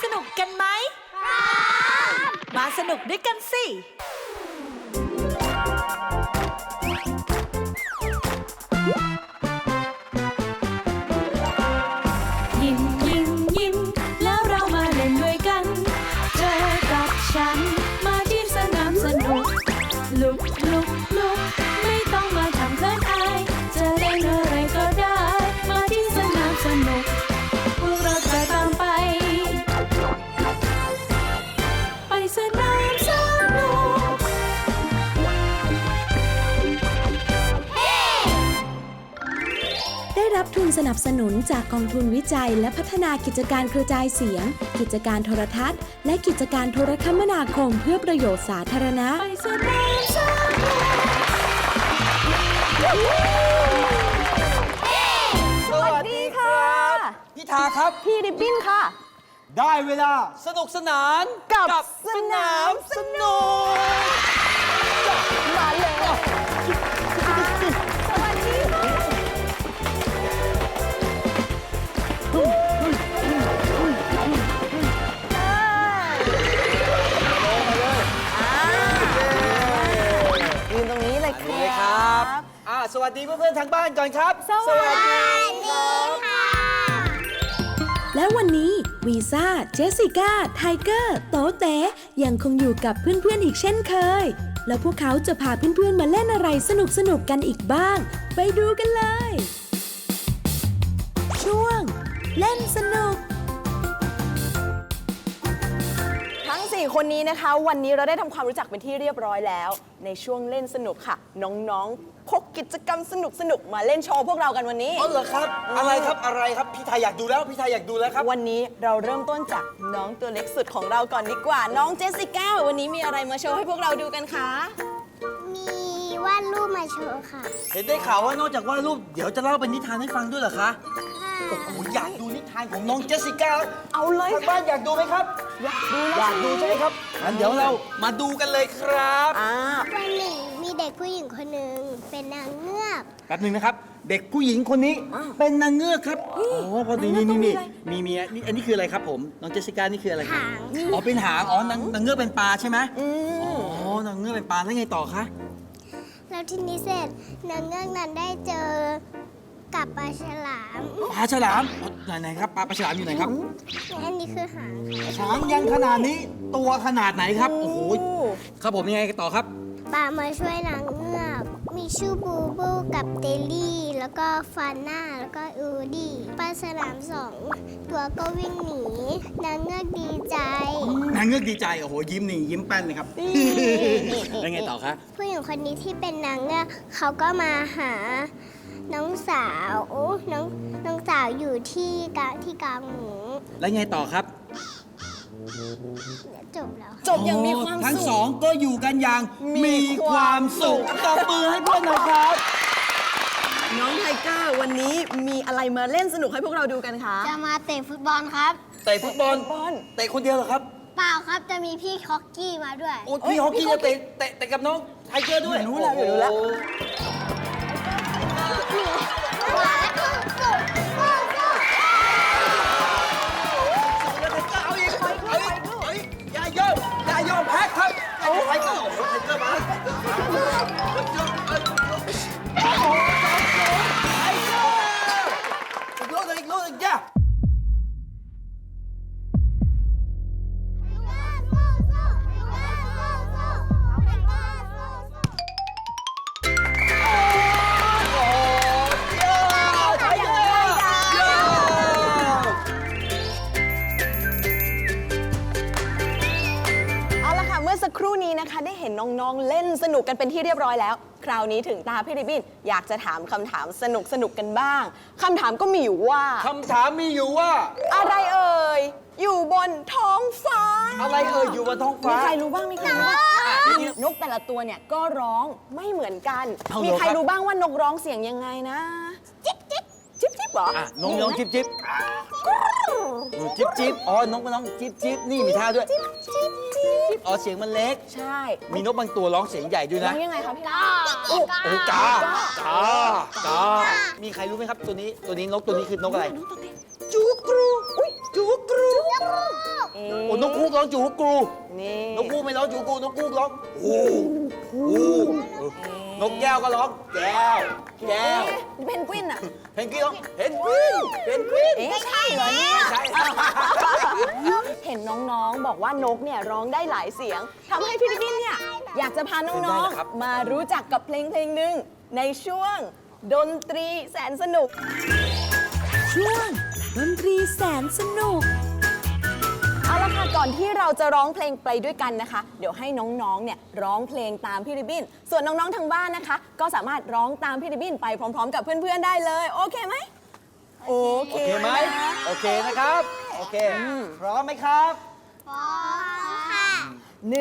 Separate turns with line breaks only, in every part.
นุกกันไหมมาสนุกด้วยกันสิ
ยิ้มยิ้มยิ้มแล้วเรามาเล่นด้วยกันเจอกับฉันมาที่สนามสนุกลุกลุกลุกไม่ต้องมาทำเขินอายจะเล่นอะไรก็ได้มาที่สนามสนุกพวกเราจะตามไปสนามสนุก
ได้รับทุนสนับสนุนจากกองทุนวิจัยและพัฒนากิจการกระจายเสียง กิจการโทรทัศน์และกิจการโทรคมนาคมเพื่อประโยชน์สาธารณะ
ไปสนามสนุก
สวัสดีค่ะพี่ทาครับพี่ริบบิ้นค่ะได้เวลาสนุกสนานกับสนามสนุกมาเลยสวัสดีค่ะยืนตรงนี้เลยครับสวัสดีเพื่อนๆทางบ้านก่อนครับสวัสดีค่ะ
และวันนี้วีซ่า เจสสิก้า ไทเกอร์ โตเต๋ยังคงอยู่กับเพื่อนๆอีกเช่นเคย แล้วพวกเขาจะพาเพื่อนๆมาเล่นอะไรสนุกๆกันอีกบ้าง ไปดูกันเลย ช่วงเล่นสนุก
ทั้ง 4 คนนี้นะคะวันนี้เราได้ทำความรู้จักเป็นที่เรียบร้อยแล้วในช่วงเล่นสนุกค่ะน้องๆพกกิจกรรมสนุกๆมาเล่นโชว์พวกเรากันวันนี้
อ๋อเหรอครับอะไรครับพี่ทายอยากดูแล้วครับ
วันนี้เราเริ่มต้นจากน้องตัวเล็กสุดของเราก่อนดีกว่าน้องเจสสิก้าวันนี้มีอะไรมาโชว์ให้พวกเราดูกันคะ
มีวาดรูปมาโชว์ค่ะ
เห็นได้ข่าวว่านอกจากวาดรูปเดี๋ยวจะเล่าเป็นนิทานให้ฟังด้วยเหรอคะโอ้โหอยากดูนิทานของน้องเจสสิก้า
เอาเลย
ทางบ้านอยากดูไหมครับอยากดูใช่ไหมครับงั้นเดี๋ยวเรามาดูกันเลยครับ
วันหนึ่งมีเด็กผู้หญิงคนหนึ่งเป็นนางเงือก
แป๊บนึงนะครับเด็กผู้หญิงคนนี้เป็นนางเงือกครับอ๋อพอดีนี่มีอันนี้คืออะไรครับผมน้องเจสสิก้านี่คืออะไรครับอ๋อเป็นหางนางเงือกเป็นปลาใช่ไหมอ๋อนางเงือกเป็นปลาแล้วไงต่อคะ
แล้วทีนี้เสร็จนางเงือกนั้นได้เจอกับปลาฉลาม
ไหนครับปลาฉลามอยู่ไหนครับ
อันนี้คือหาง
ยังขนาดนี้ตัวขนาดไหนครับโอ้โหครับผมยังไงต่อครับ
ปลามาช่วยนางเงือกมีชื่อบูบูกับเตลลี่แล้วก็ฟาน่าแล้วก็อูดี้ปลาฉลาม2 ตัวก็วิ่งหนีนางเงือกดีใจ
โอ้โหยิ้มแป้นเลยครับแล้วไงต่อคะ
ผู้หญิงคนนี้ที่เป็นนางเงือกเขาก็มาหาน้องสาวน้องสาวอยู่ที่กลางหมู
แล้วไงต่อครับ
จบแล้ว
จบอย่างมีความสุข
ทั้งสองก็อยู่กันอย่างมีความสุขตบมือให้เพื่อนหน่อยครับ
น้องไทเกอร์วันนี้มีอะไรมาเล่นสนุกให้พวกเราดูกันคะ
จะมาเตะฟุตบอลครับ
เตะฟุตบอลเตะคนเดียวเหรอครับ
เปล่าครับจะมีพี่ฮอกกี้มาด้วย
โอ้พี่ฮอกกี้จะเตะกับน้องไทเกอร์ด้วย
รู้แล้ว
อย่ายอมแพ้ครับไทเกอร์มาอีกลูกย่า
สักครู่นี้นะคะได้เห็นน้องๆเล่นสนุกกันเป็นที่เรียบร้อยแล้วคราวนี้ถึงตาพี่ริบบิ้นอยากจะถามคำถามสนุกกันบ้างคำถามก็มีอยู่ว่าอะไรเอ่ยอยู่บนท้องฟ้า
อะไรเอ่ยอยู่บนท้องฟ้า
มีใครรู้บ้างนกแต่ละตัวเนี่ยก็ร้องไม่เหมือนกันมีใครรู้บ้างว่านกร้องเสียงยังไงนะจิ๊บจิ๊บเหร
อนกจิ๊บจิ๊บอ๋อนกจิ๊บนี่มีท่าด้วยอ๋อเสียงมันเล็ก
ใช่
มีนกบางตัวร้องเสียงใหญ่ด้วยนะ
ร้องยังไงครับพี่
กามีใครรู้ไหมครับตัวนี้นกตัวนี้คือนกอะไรจูกรูร้องจูกรู
นี่
นกฮูกไม่ร้องจูกรูนกฮูกร้องฮูนกแก้วก็ร้องแก้วแก้ว
เพนกวินอะ
เพนกวินร้องเพนกวินเพนกวิน
เอ๊ะใช่เหรอเนี่ย
ใช่
เห็นน้องๆ บอกว่านกเนี่ยร้องได้หลายเสียงทำให้พี่ริบบิ้นเนี่ยอยากจะพาน้องๆ มารู้จักกับเพลงหนึ่งในช่วงดนตรีแสนสนุก
ช่วงดนตรีแสนสนุก
เอาละค่ะก่อนที่เราจะร้องเพลงไปด้วยกันนะคะ เดี๋ยวให้น้องๆ เนี่ยร้องเพลงตามพี่ริบบิ้นส่วนน้องๆ ทางบ้านนะคะ ก็สามารถร้องตามพี่ริบบิ้นไปพร้อมๆ กับเพื่อนๆ ได้เลย โอเคไหมโอเค
โอเคไหมโอเคนะครับโอเคพร้อมไหมครับ
1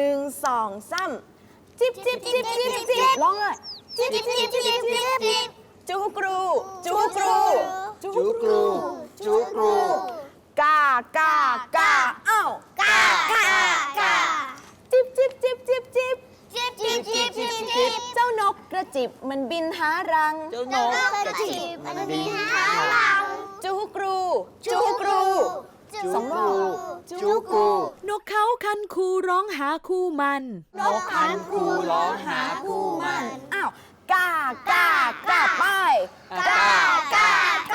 2 3จิบจิบจิบจิบจิบร้องเลยจิบจิบจิบจิบจิบจูกรูจูกรู
จูกรูจูกรู
กากากาเอ้ากากากาจิบจิบจิบจิบจิบเจ้านกกระจิบมันบินหารัง
เจ้านกกระจิบมันบินหา
จูกรูจูกรูสองรอบ
จูกรู
นกเขาคันคูร้องหาคู่มัน
นกคันคูร้องหาคู่มัน
อ้าวกากากาไป
กากาก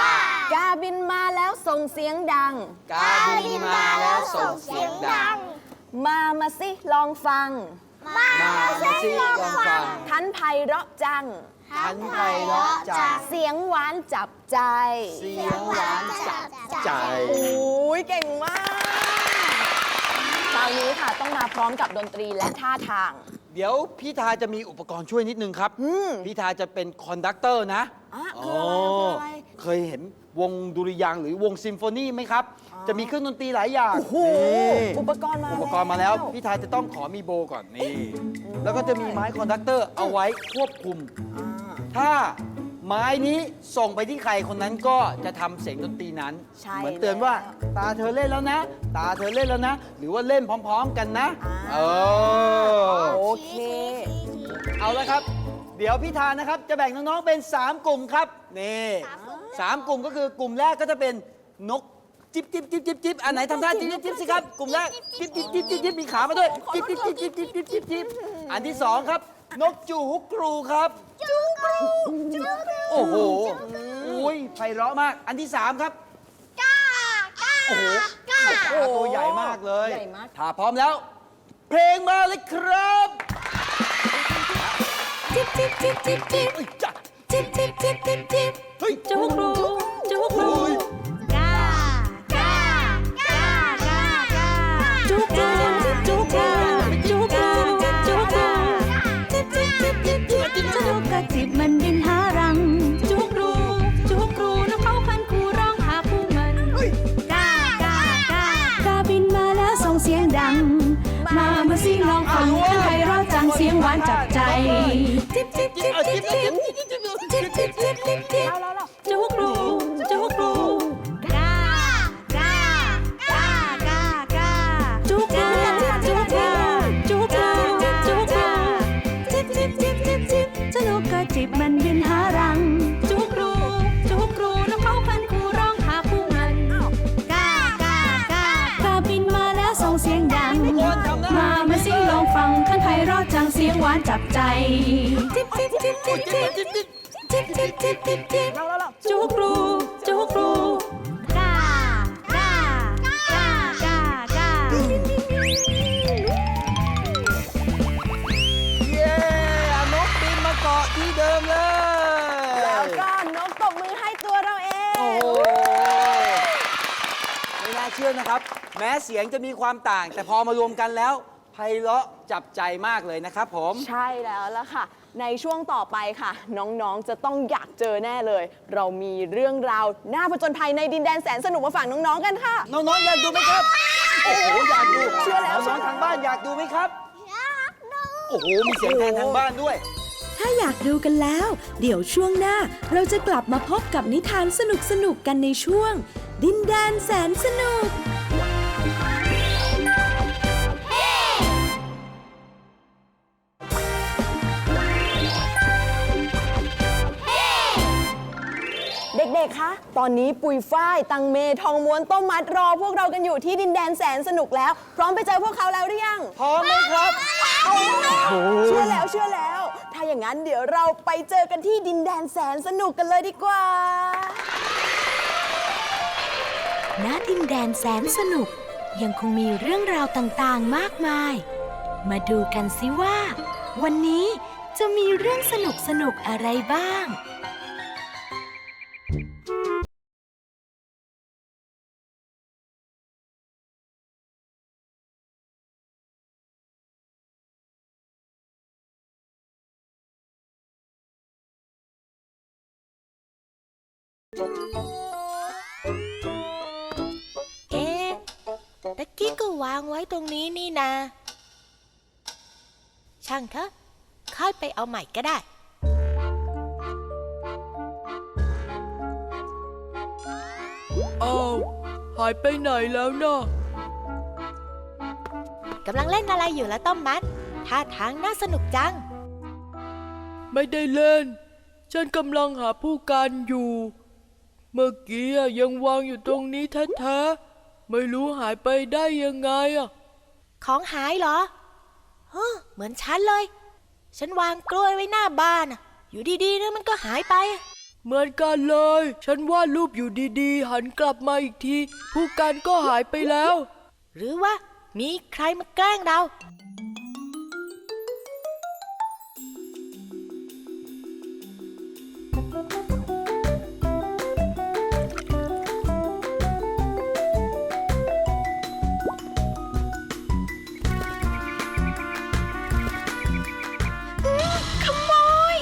าบินมาแล้วส่งเสียงดัง
กาบินมาแล้วส่งเสียงดัง
มาสิลองฟัง
มาสิลองฟัง
ทันไพเราะจัง
ทันไพเราะจัง
เสียงหวานจับใจ
เสียงหวานจับใจ
โอ้ยเก่งมากคราวนี้ค่ะต้องมาพร้อมกับดนตรีและท่าทาง
เดี๋ยวพี่ทาจะมีอุปกรณ์ช่วยนิดนึงครับ พี่ทาจะเป็นคอนดักเตอร์นะ
คืออะไร
เคยเห็นวงดุริยางค์หรือวงซิมโฟนีไหมครับ จะมีเครื่องดนตรีหลายอย่าง
โอ้โห
นี่
อุปกรณ์มา
อุปกรณ์มาแล้ว พี่ทาจะต้องขอมีโบก่อนนี่ แล้วก็จะมีไม้คอนดักเตอร์เอาไว้ควบคุม ถ้าไม้นี้ส่งไปที่ใครคนนั้นก็จะทำเสียงดนตรีนั้น
ใช่
เหมือนเตือนว่า ตาเธอเล่นแล้วนะ ตาเธอเล่นแล้วนะ หรือว่าเล่นพร้อม ๆ กันนะ
โอเค
เอาละครับ เดี๋ยวพี่ทานนะครับ จะแบ่งน้องๆเป็น 3 กลุ่มครับ นี่3 กลุ่มก็คือกลุ่มแรกก็จะเป็นนกจิ๊บจิ๊บจิ๊บจิ๊บจิ๊บอันไหนทำท่าจิ๊บจิ๊บจิ๊บสิครับ กลุ่มแรกจิ๊บจิ๊บจิ๊บจิ๊บจิ๊บมีขามาด้วยจิ๊บจิ๊บจิ๊บจิ๊บจิ๊บจิ๊บจิ๊บจิ๊บอันที่ 2 ครับ นกจูฮุกครูครับจูกรูโอ้โหอุ้ยไพเราะมาก อันที่ 3 ครับโอ้โหตัวใหญ่มากเลย
ใหญ่มาก
ถ้าพร้อมแล้ว เพลงมาเลยครับ
จิบจิบจิบจิบจิบ
เอ้ยจ้ะ
จิบจิบจิบจิบจิบ
เฮ้ย
จูกรูจูกรู
โอ้ย
กากากากากาจูกรูจูกรูจูกรูจูกรูจิบจิบจิบจิบจิบเจ้านกกระจิบมันบินหารังจูกรูจูกรูนกเขาคันคูร้องหาคู่มันกากากากาบินมาแล้วส่งเสียงดัง มาสิลองฟังข้างใครเราะจังเสียงหวานจับใจจิบจิบจิบจิบจิบจิบจิบจิบจิบจิบจูกรูจูกรูกากากากากาจูกรูจูกรูจูกรูจูกรูจิบจิบจิบจิบจิบเจ้านกกระจิบมันบินหารังจูกรูจูกรูนกเขาพันคูร้องหาผู้มันกากากากาบินมาแล้วส่งเสียงดัง มาสิลองฟังขั้นไพเราะจังเสียงหวานจับใจจิบจิบจิบจิบจิบจิบจิบจิบจิบจิบจิบจูกรูจูกรูกากากากากา
เย้เอานกบินมาเกาะที่เดิมเลย
แล้วก็นกตบมือให้ตัวเราเอง
โอ้โหไม่น่าเชื่อนะครับ แม้เสียงจะมีความต่าง แต่พอมารวมกันแล้วไพเราะจับใจมากเลยนะครับผม
ใช่แล้วล่ะค่ะ ในช่วงต่อไปค่ะ น้องๆจะต้องอยากเจอแน่เลย เรามีเรื่องราวน่าผจญภัยในดินแดนแสนสนุกมาฝากน้องๆกันค่ะ
น้องๆอยากดูไหมครับ โอ้โหอยากดู
เชื่อแล้ว
น้องๆทางบ้านอยากดูไหมครับ โอ้โหมีเสียงแทนทางบ้านด้วย
ถ้าอยากดูกันแล้ว เดี๋ยวช่วงหน้าเราจะกลับมาพบกับนิทานสนุกๆกันในช่วง ดินแดนแสนสนุก
เด็กๆ คะตอนนี้ปุยฝ้ายตังเมทองม้วนต้มมัดรอพวกเรากันอยู่ที่ดินแดนแสนสนุกแล้ว พร้อมไปเจอพวกเขาแล้วหรือยัง
พร้อมไหมครับ
เชื่อแล้วเชื่อแล้ว ถ้าอย่างนั้นเดี๋ยวเราไปเจอกันที่ดินแดนแสนสนุกกันเลยดีกว่า
ณดินแดนแสนสนุกยังคงมีเรื่องราวต่างๆมากมาย มาดูกันสิว่า วันนี้จะมีเรื่องสนุกๆอะไรบ้าง
เอ๊ะตะกี้ก็วางไว้ตรงนี้นี่นะช่างเถอะค่อยไปเอาใหม่ก็ได้
อ้าวหายไปไหนแล้วนะ
กำลังเล่นอะไรอยู่แล้วต้มมัดท่าทางน่าสนุกจัง
ไม่ได้เล่น ฉันกำลังหาผู้การอยู่ เมื่อกี้ยังวางอยู่ตรงนี้แท้ๆไม่รู้หายไปได้ยังไงอ่ะ
ของหายเหรอเหมือนฉันเลย ฉันวางกล้วยไว้หน้าบ้านน่ะอยู่ดีๆนะมันก็หายไป
เหมือนกันเลย ฉันวาดรูปอยู่ดีๆ หันกลับมาอีกที ผู้การก็หายไปแล้ว
หรือว่ามีใครมาแกล้งเรา
ขโมย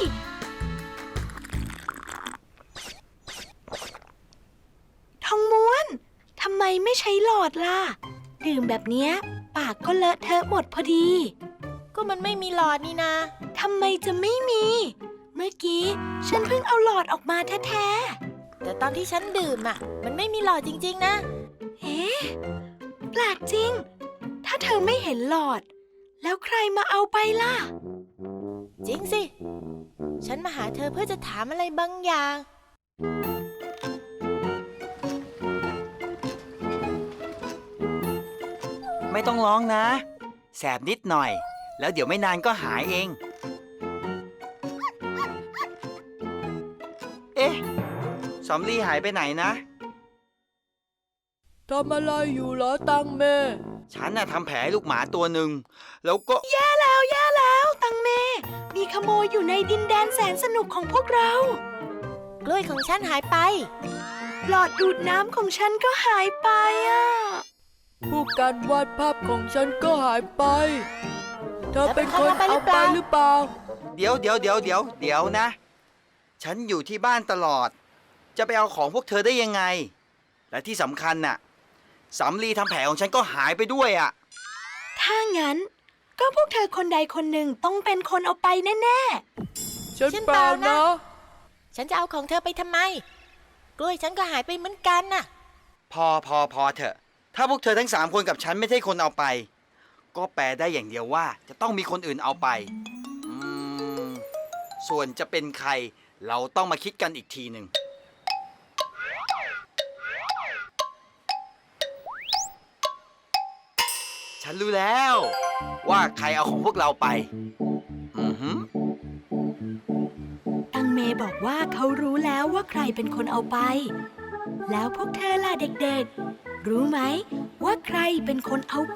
ทองม้วน ทำไมไม่ใช้หลอดล่ะ ดื่มแบบเนี้ยปากก็เลอะเทอะหมดพอดี
ก็มันไม่มีหลอดนี่นะ
ทำไมจะไม่มี เมื่อกี้ฉันเพิ่งเอาหลอดออกมาแท้
แต่ตอนที่ฉันดื่มมันไม่มีหลอดจริงๆนะ
ๆเอ๊ะแปลกจริง ถ้าเธอไม่เห็นหลอด แล้วใครมาเอาไปล่ะ
จริงสิ ฉันมาหาเธอเพื่อจะถามอะไรบางอย่าง
ไม่ต้องร้องนะ แสบนิดหน่อย แล้วเดี๋ยวไม่นานก็หายเอง เอ๊ะสำลีหายไปไหนนะ
ทำอะไรอยู่เหรอตังแม่
ฉันน่ะทำแผลให้ลูกหมาตัวหนึ่ง แล้วก็
แย่แล้วตังเม มีขโมยอยู่ในดินแดนแสนสนุกของพวกเรา
กล้วยของฉันหายไป
หลอดดูดน้ำของฉันก็หายไปอ่ะ
ผู้การวาดภาพของฉันก็หายไป เธอเป็นคนเอาไปหรือเปล่า
เดี๋ยวนะ ฉันอยู่ที่บ้านตลอด จะไปเอาของพวกเธอได้ยังไง และที่สำคัญน่ะสำลีทำแผลของฉันก็หายไปด้วยอ่ะ
ถ้างั้น ก็พวกเธอคนใดคนหนึ่งต้องเป็นคนเอาไปแน่
ฉันเปล่านะ
ฉันจะเอาของเธอไปทำไม กล้วยฉันก็หายไปเหมือนกันน่ะ
พอเถอะ ถ้าพวกเธอทั้ง3 คนกับฉันไม่ใช่คนเอาไป ก็แปลได้อย่างเดียวว่าจะต้องมีคนอื่นเอาไป ส่วนจะเป็นใครเราต้องมาคิดกันอีกทีหนึ่ง ฉันรู้แล้วว่าใครเอาของพวกเราไป
ๆ ตังเมบอกว่าเขารู้แล้วว่าใครเป็นคนเอาไป แล้วพวกเธอล่ะเด็กๆ รู้ไหมว่าใครเป็นคนเอาไป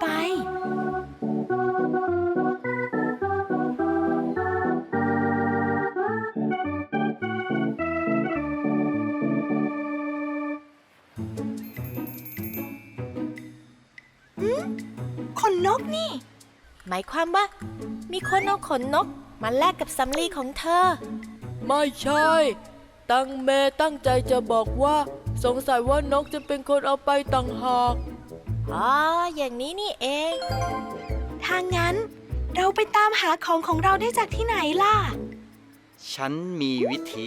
ขนนกนี่
หมายความว่า มีคนเอาขนนกมาแลกกับสำลีของเธอ
ไม่ใช่ ตังแม่ตั้งใจจะบอกว่าสงสัยว่านกจะเป็นคนเอาไปต่างหาก
อ๋อ อย่างนี้นี่เอง
ถ้างั้น เราไปตามหาของเราได้จากที่ไหนล่ะ
ฉันมีวิธี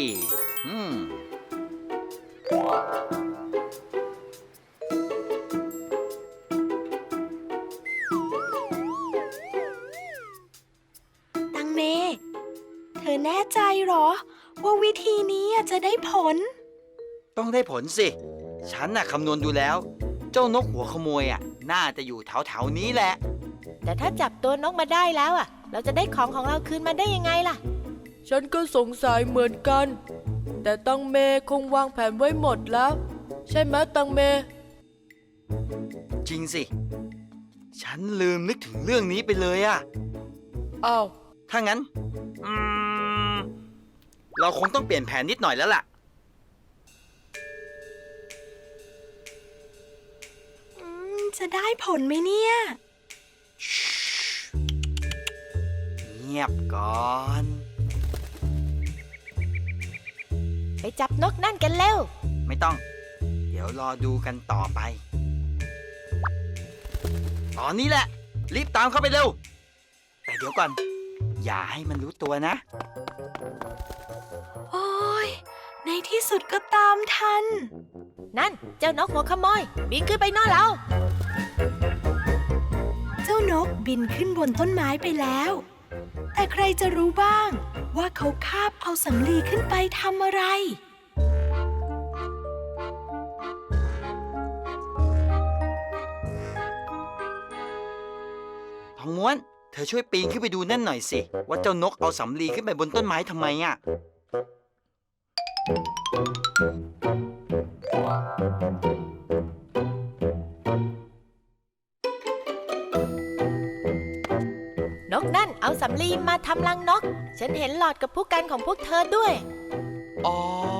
ตังเม เธอแน่ใจเหรอ ว่าวิธีนี้จะได้ผล
ต้องได้ผลสิ ฉันน่ะคำนวณดูแล้ว เจ้านกหัวขโมยน่าจะอยู่แถวๆนี้แหละ
แต่ถ้าจับตัวนกมาได้แล้วเราจะได้ของเราคืนมาได้ยังไงล่ะ
ฉันก็สงสัยเหมือนกัน แต่ตังเมคงวางแผนไว้หมดแล้ว ใช่ไหมตังเม
จริงสิ ฉันลืมนึกถึงเรื่องนี้ไปเลยอะ
อ้าว
ถ้างั้น เราคงต้องเปลี่ยนแผนนิดหน่อยแล้วล่ะ
จะได้ผลไหมเนี่ย
เงียบก่อน
ไปจับนกนั่นกันเร็ว
ไม่ต้อง เดี๋ยวรอดูกันต่อไป ตอนนี้แหละ รีบตามเข้าไปเร็ว แต่เดี๋ยวก่อน อย่าให้มันรู้ตัวนะ
โอ้ยในที่สุดก็ตามทัน
นั่นเจ้านกหัวขโมย บินขึ้นไปโน่นแล้ว
เจ้านกบินขึ้นบนต้นไม้ไปแล้ว แต่ใครจะรู้บ้างว่าเขาคาบเอาสำลีขึ้นไปทำอะไร
ทองม้วน เธอช่วยปีนขึ้นไปดูนั่นหน่อยสิ ว่าเจ้านกเอาสำลีขึ้นไปบนต้นไม้ทำไมอะ
นกนั่นเอาสำลีมาทำรังนก ฉันเห็นหลอดกับผู้กันของพวกเธอด้วย
อ๋อ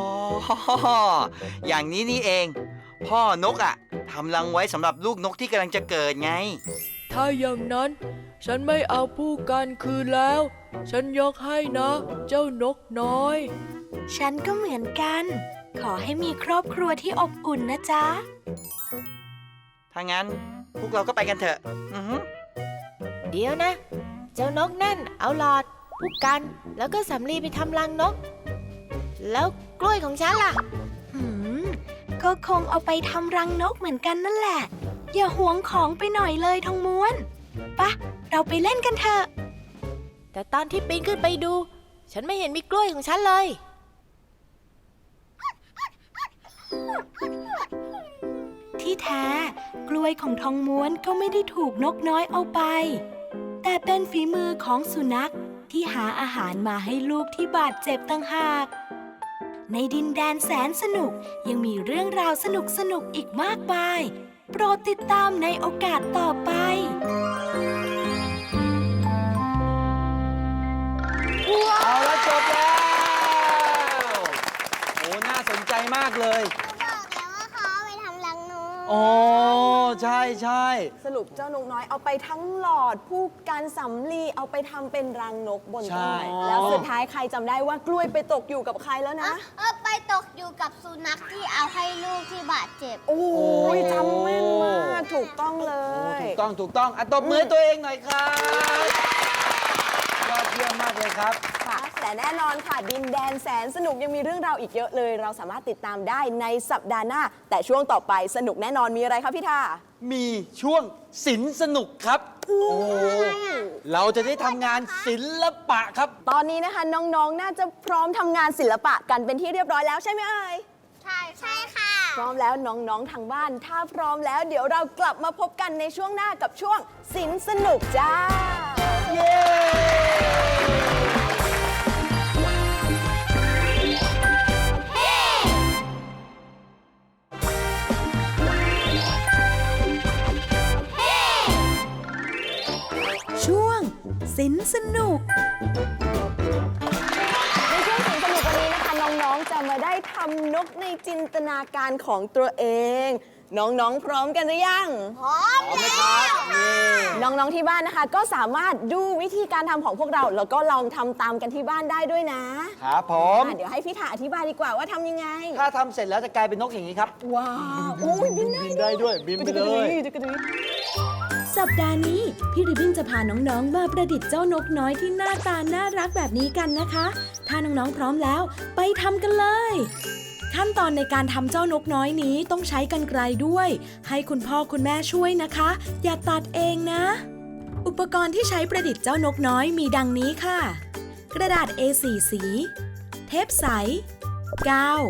อย่างนี้นี่เอง พ่อนกทำรังไว้สำหรับลูกนกที่กำลังจะเกิดไง
ถ้าอย่างนั้น ฉันไม่เอาผู้กันคืนแล้ว ฉันยกให้นะ เจ้านกน้อย
ฉันก็เหมือนกัน ขอให้มีครอบครัวที่อบอุ่นนะจ๊ะ
ถ้างั้นพวกเราก็ไปกันเถอะ
เดี๋ยวนะ เจ้านกนั่นเอาหลอดผู้กัน แล้วก็สำลีไปทำรังนก แล้วกล้วยของฉันล่ะ
ก็คงเอาไปทำรังนกเหมือนกันนั่นแหละ อย่าหวงของไปหน่อยเลยทองม้วนปะเราไปเล่นกันเถอะ
แต่ตอนที่ปีนขึ้นไปดู ฉันไม่เห็นมีกล้วยของฉันเลย
ที่แท้กล้วยของทองม้วนก็ไม่ได้ถูกนกน้อยเอาไป แต่เป็นฝีมือของสุนัขที่หาอาหารมาให้ลูกที่บาดเจ็บต่างหาก ในดินแดนแสนสนุกยังมีเรื่องราวสนุกอีกมากมาย โปรดติดตามในโอกาสต่อไป
เอาละจบแล้ว โอ้ น่าสนใจมากเลย
บอกแล้วว่าเขาเอาไปทำรังนก
อ๋อ ใช่ใช่
สรุปเจ้านกน้อยเอาไปทั้งหลอดผู้กันสำลีเอาไปทำเป็นรังนกบนต้นไม้แล้วสุดท้ายใครจำได้ว่ากล้วยไปตกอยู่กับใครแล้วนะ
ไปตกอยู่กับสุนัขที่เอาให้ลูกที่บาดเจ็บ
โอ้ยจำแม่นมากถูกต้องเลย
ถูกต้องถูกต้องตบมือให้ตัวเองหน่อยครับยอดเยี่ยมมากเลยครับ
ค่ะแต่แน่นอนค่ะดินแดนแสนสนุกยังมีเรื่องราวอีกเยอะเลย เราสามารถติดตามได้ในสัปดาห์หน้า แต่ช่วงต่อไปสนุกแน่นอนมีอะไรครับพี่ท่า
มีช่วงศิลป์สนุกครับ โอ้โหเราจะได้ทำงานศิลปะครับ
ตอนนี้นะคะน้องๆ น่าจะพร้อมทำงานศิลปะกันเป็นที่เรียบร้อยแล้วใช่ไหมเอ่ย
ใช่ค่ะ
พร้อมแล้วน้องๆทางบ้าน ถ้าพร้อมแล้วเดี๋ยวเรากลับมาพบกันในช่วงหน้ากับช่วงศิลป์สนุกจ้า
เย้
ช่วงศิลป์สนุก
ในช่วงศิลป์สนุกวันนี้นะคะน้องๆจะมาได้ทำนกในจินตนาการของตัวเอง น้องๆ พร้อมกันหรือยัง
พร้อม
พร้อมไหมครับนี่
น้องๆที่บ้านนะคะ ก็สามารถดูวิธีการทำของพวกเรา แล้วก็ลองทำตามกันที่บ้านได้ด้วยนะครับ
ผม
เดี๋ยวให้พี่ถาอธิบายดีกว่าว่าทำยังไง
ถ้าทำเสร็จแล้วจะกลายเป็นนกอย่างนี้ครับ
ว้าวโอ้ยบินได้
บินได้ด้วยบินไปเลย
สัปดาห์นี้พี่ริบบิ้นจะพาน้องๆ มาประดิษฐ์เจ้านกน้อยที่หน้าตาน่ารักแบบนี้กันนะคะ ถ้าน้องๆ พร้อมแล้วไปทำกันเลย ขั้นตอนในการทำเจ้านกน้อยนี้ต้องใช้กรรไกรด้วย ให้คุณพ่อคุณแม่ช่วยนะคะ อย่าตัดเองนะ อุปกรณ์ที่ใช้ประดิษฐ์เจ้านกน้อยมีดังนี้ค่ะ กระดาษ A4 สี เทปใส กาว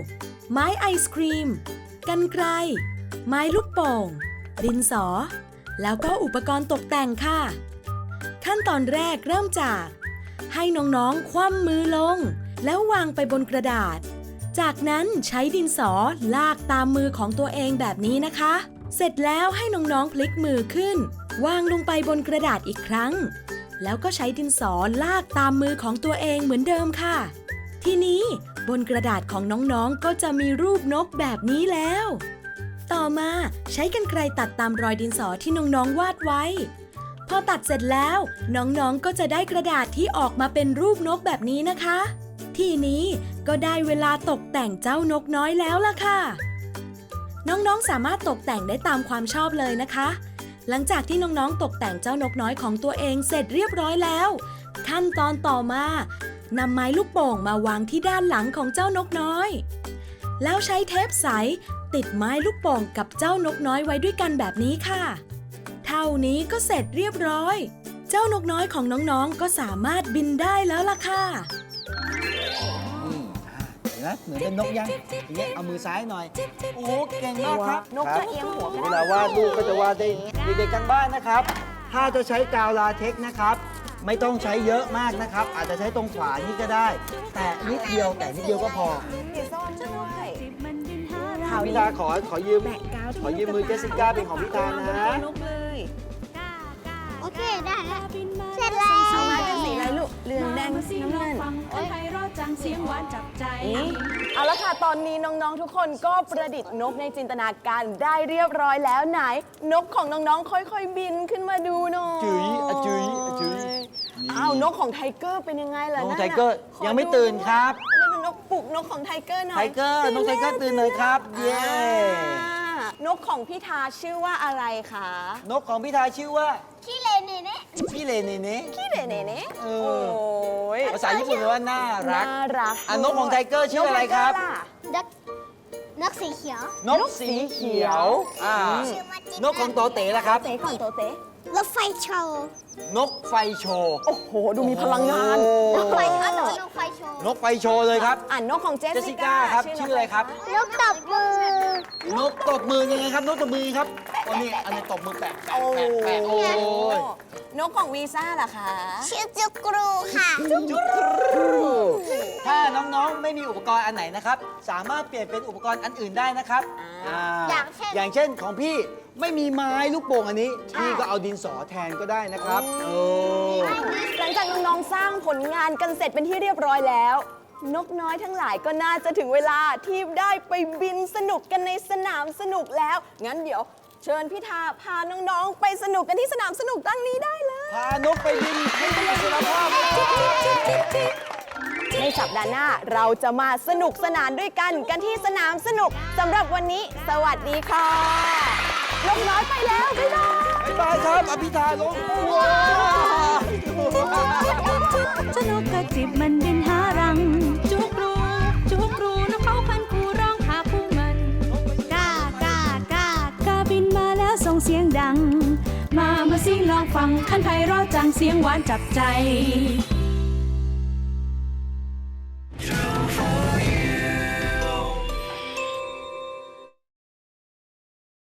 ไม้ไอศครีม กรรไกร ไม้ลูกโป่ง ดินสอ แล้วก็อุปกรณ์ตกแต่งค่ะ ขั้นตอนแรกเริ่มจาก ให้น้องๆ คว่ำมือลง แล้ววางไปบนกระดาษ จากนั้นใช้ดินสอลากตามมือของตัวเองแบบนี้นะคะ เสร็จแล้วให้น้องๆ พลิกมือขึ้น วางลงไปบนกระดาษอีกครั้ง แล้วก็ใช้ดินสอลากตามมือของตัวเองเหมือนเดิมค่ะ ทีนี้บนกระดาษของน้องๆ ก็จะมีรูปนกแบบนี้แล้ว ต่อมาใช้กรรไกรตัดตามรอยดินสอที่น้องๆ วาดไว้ พอตัดเสร็จแล้วน้องๆ ก็จะได้กระดาษที่ออกมาเป็นรูปนกแบบนี้นะคะ ทีนี้ก็ได้เวลาตกแต่งเจ้านกน้อยแล้วล่ะค่ะ น้องๆ สามารถตกแต่งได้ตามความชอบเลยนะคะ หลังจากที่น้องๆ ตกแต่งเจ้านกน้อยของตัวเองเสร็จเรียบร้อยแล้ว ขั้นตอนต่อมานำไม้ลูกโป่งมาวางที่ด้านหลังของเจ้านกน้อย แล้วใช้เทปใสติดไม้ลูกโป่งกับเจ้านกน้อยไว้ด้วยกันแบบนี้ค่ะ เท่านี้ก็เสร็จเรียบร้อย เจ้านกน้อยของน้องๆ ก็สามารถบินได้แล้วล่ะค่ะ
เห็นไหมเหมือนเป็นนกยังอย่างเงี้ยเอามือซ้ายหน่อย โอ้โหเก่งมากครับ
นกจะเอียงหัว
เวลาวาดรูปก็จะวาดได้เด็กๆกันบ้านนะครับ ถ้าจะใช้กาวลาเท็กซ์นะครับ ไม่ต้องใช้เยอะมากนะครับ อาจจะใช้ตรงขวานี่ก็ได้ แต่นิดเดียวก็พอ
สีส้มด้วย
พี่ตาขอยืมมือเจสสิก้าเป็นของพี่ตานะ
นกเลย
โอเค ได้แล้ว เสร็จแล้ว
เอามาเป็นสีอะไรลูกเหลืองแดงน้ำเงิน
คันไพเราะจังเสียงหวานจับใจ
เอาละค่ะ ตอนนี้น้องๆ ทุกคนก็ประดิษฐ์นกในจินตนาการได้เรียบร้อยแล้วไหน นกของน้องๆ ค่อยๆ บินขึ้นมาดูหน่อย
จุ๋ยอะจุ๋ยอะจุ๋ยนี่
อ้าวนกของไทเกอร์เป็นยังไงล่ะ
น้อง
นั่น
ไท
น่ะ
เกอร์
ขอ
ยังไม่ตื่นครับ
นั่นเป็นนกปลุกนกของไทเกอร์หน่อย
ไทเกอร์น้องไทเกอร์ตื่นหน่อยครับ เย้
นกของพี่ทาชื่อว่าอะไรคะ
นกของพี่ทาชื่อว่า
ขี้เลนเน่เน่
พี่เลเนเน่
ขี้เดเนเน่
เอ
โอ้
อ
ย
ภาษาญี่ปุ่นแปลว่าน่ารัก
น่ารัก
นกของไทเกอร์ชื่ออะไรครับ
นกไทเกอล่ะ
นกสีเขียว
นกสีเขียว
ชื่อมาจิ
นกของโตเต๋ล่ะครับ
เต๋ก่อนโตเต๋
รถไฟโชว์
นกไฟโชว์
โอ้โห ดูมีพลังงาน
นกไฟอ๋อแต่ว่านกไฟโชว์
นกไฟโชว์เลยครับ
อ่านนกของเจ
เจส
ส
สิ
สิ
ก้า
ก้า
ครับชื่ออะไรครับ
นกตบมือ
นกตบมือยังไงครับ นกตบมือครับโอ้นี่อันนี้ตบมือแปะแปะ
โอ้
แปะแปะโอ้ย
นกของวีซ่าล่ะคะ
ชื่อจุกรูค่ะ
ถ้าน้องๆไม่มีอุปกรณ์อันไหนนะครับ สามารถเปลี่ยนเป็นอุปกรณ์อันอื่นได้นะครับอย่างเช่นของพี่ไม่มีไม้ลูกโป่งอันนี้พี่ก็เอาดินสอแทนก็ได้นะครับโอ้
หลังจากน้องๆสร้างผลงานกันเสร็จเป็นที่เรียบร้อยแล้ว นกน้อยทั้งหลายก็น่าจะถึงเวลาที่ได้ไปบินสนุกกันในสนามสนุกแล้ว งั้นเดี๋ยวเชิญพี่ทาพาน้องๆไปสนุกกันที่สนามสนุกตั้งนี้ได้เลย
พานกไปบินให้มีอิสรภาพ
ในสัปดาห์หน้าเราจะมาสนุกสนานด้วยกันที่สนามสนุกสำหรับวันนี้ สวัสดีค่ะนกน้อยไปแล้ว บ๊ายบาย
บ๊ายบายครับอภิธาลงว้าว
เจ้านกกระจิบมันบินหารัง จุกรูนกเขาพันคูร้องหาผู้มันกากาบินมาแล้วส่งเสียงดัง มาสิลองฟังคันไพเราะจังเสียงหวานจับใจ